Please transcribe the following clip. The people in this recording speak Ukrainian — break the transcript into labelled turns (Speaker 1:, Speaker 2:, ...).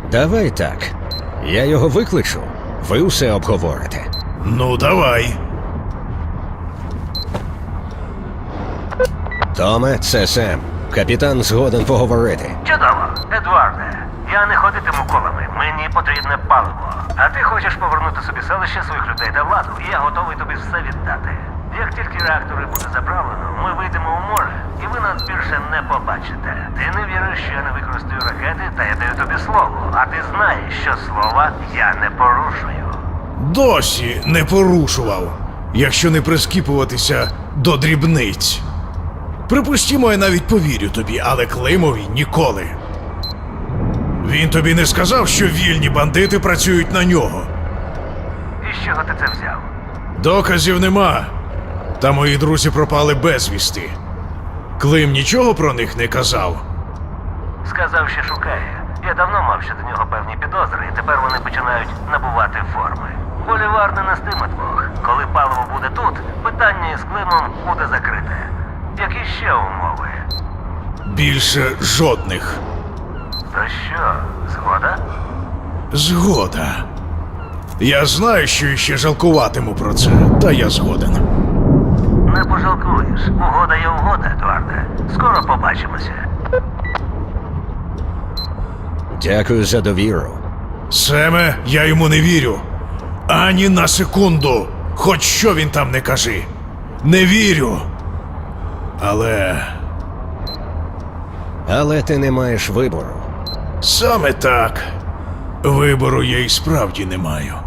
Speaker 1: Давай так. Я його викличу, ви усе обговорите.
Speaker 2: Ну, давай.
Speaker 1: Томе, це Сем. Капітан згоден поговорити.
Speaker 3: Чудово, Едуарде. Я не ходитиму колами, мені потрібне паливо. А ти хочеш повернути собі селище, своїх людей та владу, і я готовий тобі все віддати. Як тільки реактори буде заправлено, ми вийдемо у море, і ви нас більше не побачите. Ти не віриш, що я не використаю ракети, та я даю тобі слово. А ти знаєш, що слова я не порушую.
Speaker 2: Досі не порушував, якщо не прискіпуватися до дрібниць. Припустімо, я навіть повірю тобі, але Климові ніколи. Він тобі не сказав, що вільні бандити працюють на нього.
Speaker 3: І з чого ти це взяв?
Speaker 2: Доказів нема. Та мої друзі пропали безвісти. Клим нічого про них не казав.
Speaker 3: Сказав, що шукає. Я давно мав щодо нього певні підозри, і тепер вони починають набувати форми. Болівар не нестиме двох. Коли паливо буде тут, питання із Климом буде закрите. Які ще умови?
Speaker 2: Більше жодних.
Speaker 3: То що, згода?
Speaker 2: Згода. Я знаю, що іще жалкуватиму про це, та я згоден.
Speaker 3: Не пожалкуєш. Угода є угода, Едуарде. Скоро побачимося.
Speaker 1: Дякую за довіру.
Speaker 2: Семе, я йому не вірю. Ані на секунду. Хоч що він там не кажи. Не вірю.
Speaker 1: Але ти не маєш вибору.
Speaker 2: Саме так. Вибору я і справді не маю.